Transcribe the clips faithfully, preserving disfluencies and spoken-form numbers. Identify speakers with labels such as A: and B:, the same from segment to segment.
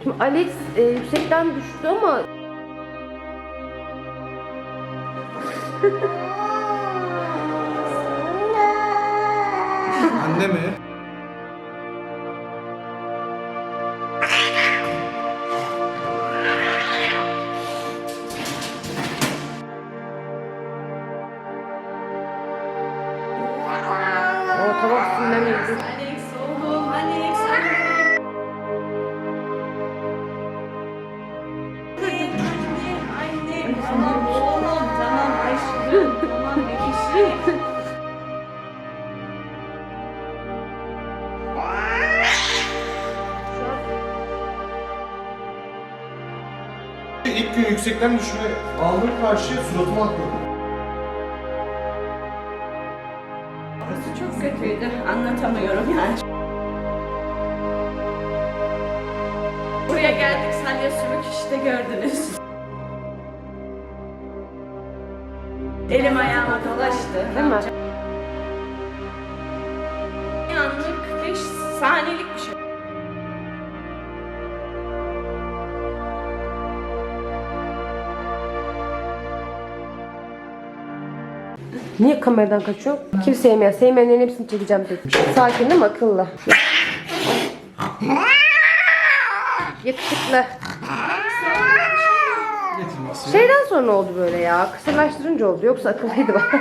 A: Şimdi Alex e, yüksekten düştü ama
B: Anne mi?
A: o tamam sinirlenmedi.
C: Alex oğlum, Alex, anne. Anne, anne, tamam oğlum, tamam aşkım, tamam bebişim.
B: İlk gün yüksekten düşme aldım karşıya suratıma atladım.
C: Burası çok kötüydü, anlatamıyorum yani. Buraya geldik, salya sümük işte gördünüz. Elim ayağıma dolaştı.
A: Değil mi?
C: Bir anlık, beş saniyelik bir şey.
A: Niye kameradan kaçıyor? Kim sevmeyen? Sevmeyenlerin hepsini çekeceğim tek. Sakin değil mi? Akıllı. Yakışıklı.
B: Getirmesi.
A: Şeyden sonra oldu böyle ya. Kısırlaştırınca oldu. Yoksa akıllıydı bak.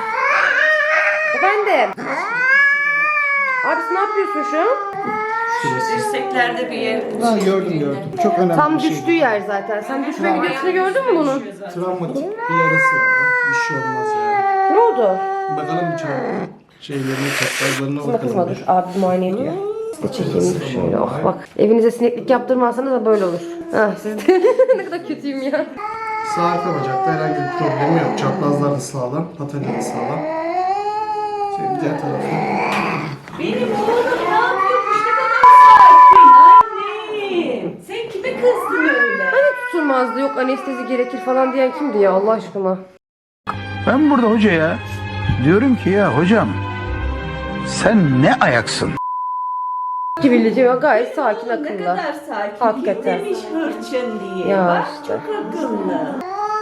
A: Efendim. Abisi ne yapıyorsun şu an?
C: Dirseklerde bir yer.
B: Ha, gördüm gördüm. Çok önemli
A: Tam
B: bir şey.
A: düştüğü yer zaten. Sen düşme videosunu gördün mü bunun?
B: Travmatik bir yarası var. Ya. Bir şey olmaz yani.
A: Ne oldu?
B: Bakalım bir çabuk şeylerine, çaprazlarına
A: Kızma
B: bakalım.
A: kızma dur. Abi muayene ediyor. Siz de çekeyim şöyle. Oh bak. Evinize sineklik yaptırmazsanız da böyle olur. Ah siz de ne kadar kötüyüm ya.
B: Sağ arka bacakta herhangi bir problemi yok. Çaprazlar da sağlam, patella da sağlam. Şey, diğer tarafı.
C: Benim oğlum ne yapıyormuş ne kadar sakin annem. Sen kime kızdın öyle?
A: Hani tutulmazdı yok anestezi gerekir falan diyen kimdi ya Allah aşkına?
D: Ben burada hocaya diyorum ki ya hocam sen ne ayaksın?
A: Kibirlici ve gayet sakin
C: Ne
A: akıllı.
C: kadar sakin.
A: Hakikaten.
C: Demiş hırçın diye.
A: Ya
C: Bak
A: işte.
C: çok akıllı.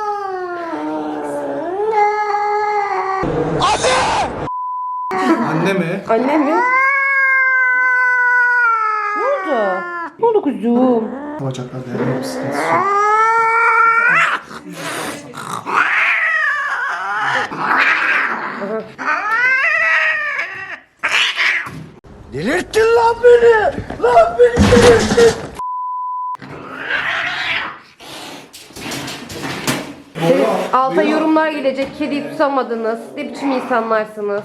B: Anne mi?
A: Anne mi? Ne oldu? Ne oldu kuzum?
B: Bacaklarda herhangi bir sıkıntısı yok.
D: Delirttin lan beni! Lan beni delirttin!
A: Senin alta yorumlar gelecek. Kediyi tutamadınız. Ne biçim insanlarsınız?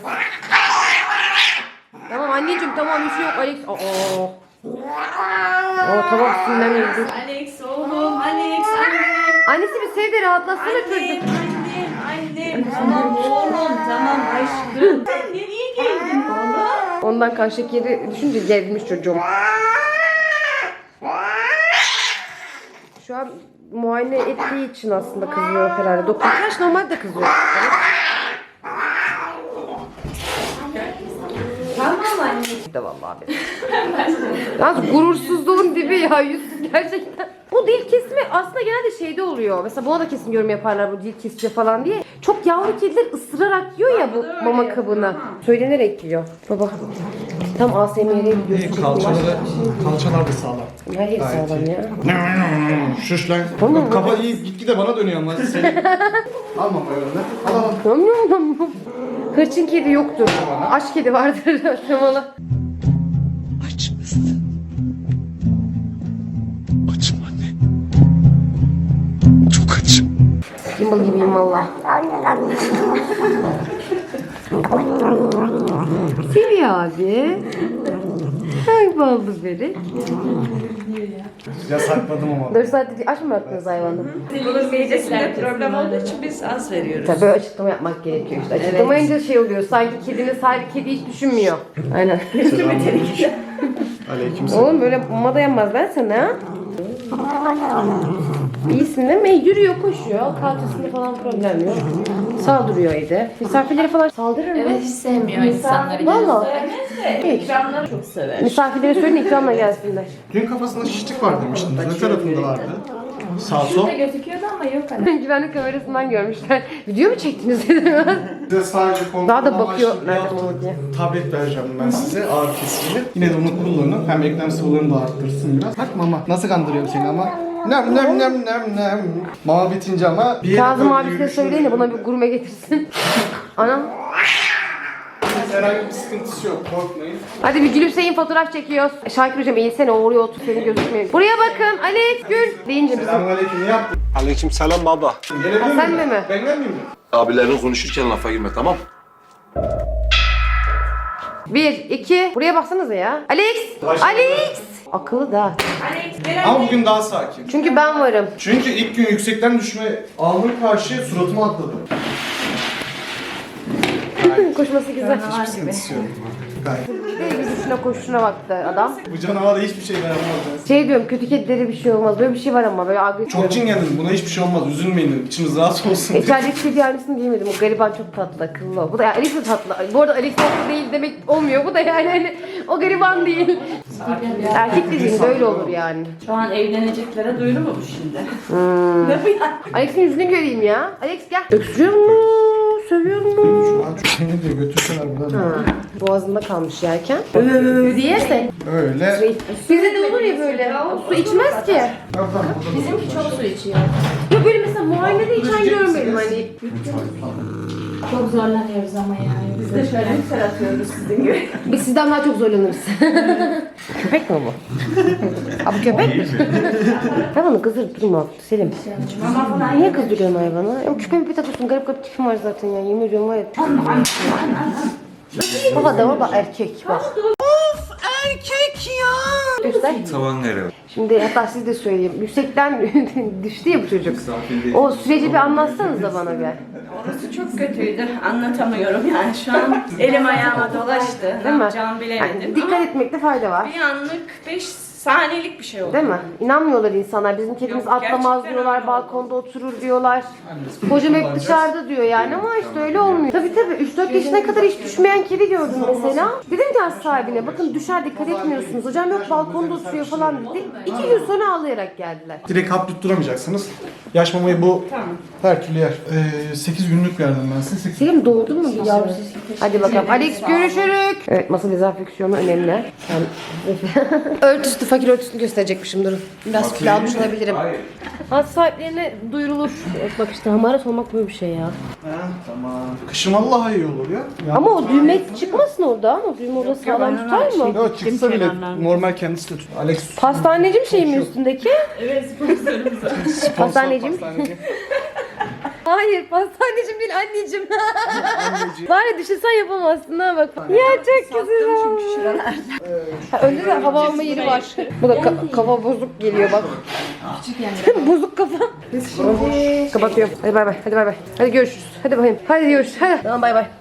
A: Tamam anneciğim tamam bir şey yok Alex. Aa. Aa tamam sinirlenmeyin.
C: Alex oğlum, Alex annem.
A: Annesi bir sev de rahatlatsana
C: Annem,
A: çocuk.
C: annem, annem. Tamam oğlum, tamam aşkım. Sen nereye geldin oğlum?
A: Ondan kan şekeri düşünce gelmiş çocuğum. Şu an muayene ettiği için aslında kızıyor herhalde. Doktor kaç normalde kızıyor.
C: Tamam anne.
A: Bir de vallahi benim. Yalnız gurursuzluğun dibi ya yüzsüz gerçekten. Bu dil kesimi aslında genelde şeyde oluyor. Mesela buna da kesin yorum yaparlar bu dil kesici falan diye. Çok yavru kediler ısırarak yiyor ya bu mama kabını. Söylenerek yiyor. Baba. Tam A S M R'ye gidiyorsun.
B: Kalçaları, kalçalar da sağlam.
A: Hayır sağlam ya.
B: Şuş lan. Bak, kafa iyi gitgide bana dönüyor ama senin. Alma böyle. Al al.
A: Nom nom nom nom. Hırçın kedi yoktur. Aç kedi vardır. Temalı.
E: Aç mısın? Açım anne. Çok açım.
A: Gimbal gibiyim valla. Seviyor abi. Ay ballı börek.
B: Yasakladım ama.
A: dört saatte aç mı bıraktınız hayvanı?
C: Bunun midesinde problem olduğu için biz az veriyoruz.
A: Tabii böyle açıklama yapmak gerekiyor işte. Açıklamayınca şey oluyor. Sanki kedinin sahibi kedi hiç düşünmüyor. Aynen.
B: Aleykümselam.
A: Oğlum böyle mama dayanmaz ben sana. İyisin değil mi? Yürüyor, koşuyor. Kalçasında falan problem yok. Saldırıyor evde. Misafirlere falan saldırır mı?
C: Evet, hiç sevmiyor insanları.
A: Valla.
C: Sevmez de ikramları çok sever.
A: Misafirlere söyleyin ikramla gelsinler.
B: Dün kafasında şişlik var demiştiniz. Ne tarafında vardı? Sağ sol.
C: Şurada gözüküyordu ama yok hani.
A: Güvenlik kamerasından görmüşler. Video mu çektiniz dedim.
B: Size sadece kontrol
A: Daha da
B: amaçlı
A: bakıyor
B: bir
A: nerede
B: haftalık
A: olduğunu diye.
B: tablet vereceğim ben size ağrı kesici. Yine de onu kullanın. Hem eklem sıvılarını da arttırsın biraz. Bak mama nasıl kandırıyorum seni ama. Nem nem nem nem nem. Mama bitince ama bir yere
A: Kazım
B: böyle
A: abisine
B: yürüyüşünü
A: söyleyin de buna bir
B: verin.
A: gurme getirsin. Anam.
B: Herhangi bir sıkıntısı yok, korkmayın.
A: Hadi bir gülümseyin, fotoğraf çekiyoruz. Şakir hocam eğilsene, oraya otur, senin gözükmüyor. Buraya bakın, Alex Gül deyince bizim.
B: Selamünaleyküm, ne yaptın?
E: Aleyküm selam baba.
B: Gelebilir
A: Ha, sen de mi?
B: Ben gelmeyeyim mi?
E: Abilerin konuşurken lafa girme tamam.
A: Bir, iki, buraya baksanıza ya. Alex! Alex! Akıllı da.
C: Alex, Beren
B: Ama bugün daha sakin.
A: Çünkü ben varım.
B: Çünkü ilk gün yüksekten düşme alnım karşı suratıma atladı.
A: Koşması güzel.
B: Hiçbir sıkıntısı yok. Gayet.
A: Bir de yürüyüşüne koşuşuna baktı adam.
B: Bu canavara hiçbir şey dayanamaz.
A: Şey diyorum, kötü kedilere bir şey olmaz. Böyle bir şey var ama böyle agresif.
B: Çok çingendim. Buna hiçbir şey olmaz. Üzülmeyin. İçiniz rahat olsun. diye.
A: İçerideki kedi aynısını diyemedim. O gariban çok tatlı, akıllı o. Bu da yani Alex de tatlı. Bu arada Alex tatlı değil demek olmuyor. Bu da yani hani o gariban değil. Erkek dediğin böyle olur yani.
C: Şu an evleneceklere duyuru mu bu şimdi?
A: Hmm.
C: Ne bu ya?
A: Alex'in yüzünü göreyim ya. Alex gel. Öksürüyor mu? Sövüyor mu?
B: Şu an çok seni de götürseler buradan.
A: Ha, boğazında kalmış yerken. Öööö diyerse.
B: Öyle.
A: Bizde de olur ya böyle. Su içmez ki.
C: Bizimki çok su içiyor.
A: Ya böyle mesela muayenede içen görmedim hani.
C: Çok zorlanıyoruz ama yani. Biz de şöyle yükselt atıyoruz sizin gibi.
A: Biz sizden daha çok zorlanırız. Köpek mi bu? Ha bu köpek mi? Hayvanı kızdırıp durma Selim.
C: Mama falan
A: Niye kızdırıyorsun hayvanı? Ya küpe bir takıyorsun, garip garip tipim var zaten ya. Yemin ediyorum var ya. Baba da baba erkek bak. Of erkek ya. Göster.
E: Tavan nereye?
A: Şimdi hatta siz de söyleyeyim. Yüksekten düştü ya bu çocuk. O süreci bir anlatsanız da bana bir.
C: Orası çok kötüydü. Anlatamıyorum yani şu an. Elim ayağıma dolaştı. Ne
A: Değil mi?
C: yapacağımı bilemedim.
A: Yani dikkat
C: Ama
A: etmekte fayda var.
C: bir anlık beş saniyelik bir şey oldu.
A: Değil mi? İnanmıyorlar insanlar. Bizim kedimiz
C: Yok,
A: atlamaz
C: gerçekten
A: diyorlar,
C: öyle oldu.
A: balkonda oturur diyorlar. Hocam hep dışarıda diyor yani ama işte öyle olmuyor. Tabii tabii üç dört yaşına kadar hiç düşmeyen kedi gördüm mesela. Dedim ki az sahibine bakın düşer dikkat etmiyorsunuz. Hocam yok balkonda oturuyor falan dedi. İki gün sonra ağlayarak geldiler.
B: Direkt hap tutturamayacaksınız. Yaş mamayı bu her türlü yer. Ee, sekiz günlük verdim ben size. sekiz
A: Selim doğurdun mu bir yavru sesi? Hadi bakalım. Alex görüşürük. Evet masa dezenfeksiyonu önemli. Yani... Örtüsü, fakir örtüsünü gösterecekmişim durun. Biraz kilo almış olabilirim. Has sahiplerine duyurulur. Evet, bak işte hamarat olmak böyle bir şey ya.
B: Ha, tamam. Kışın Allah'a iyi olur ya. ya.
A: Ama o düğme çıkmasın orada ama düğme orada sağlam tutar mı?
B: Yok çıksa bile normal kendisi de tut. Alex.
A: Pastaneci mi şey mi üstündeki?
C: Evet sponsorumuz var.
A: Pastaneci.
B: Pastaneci.
A: Hayır pastanecim değil anneciğim. Var ya düşünsen yapamazsın ha bak. Ya çok güzel. Ha, önde de hava alma yeri var. Bu da ka- kafa bozuk geliyor bak. Bozuk kafa. Hadi kapatıyorum. Hadi bay bay. Hadi bay bay. Hadi görüşürüz. Hadi bakayım. Hadi görüşürüz. Hadi. Tamam bay bay.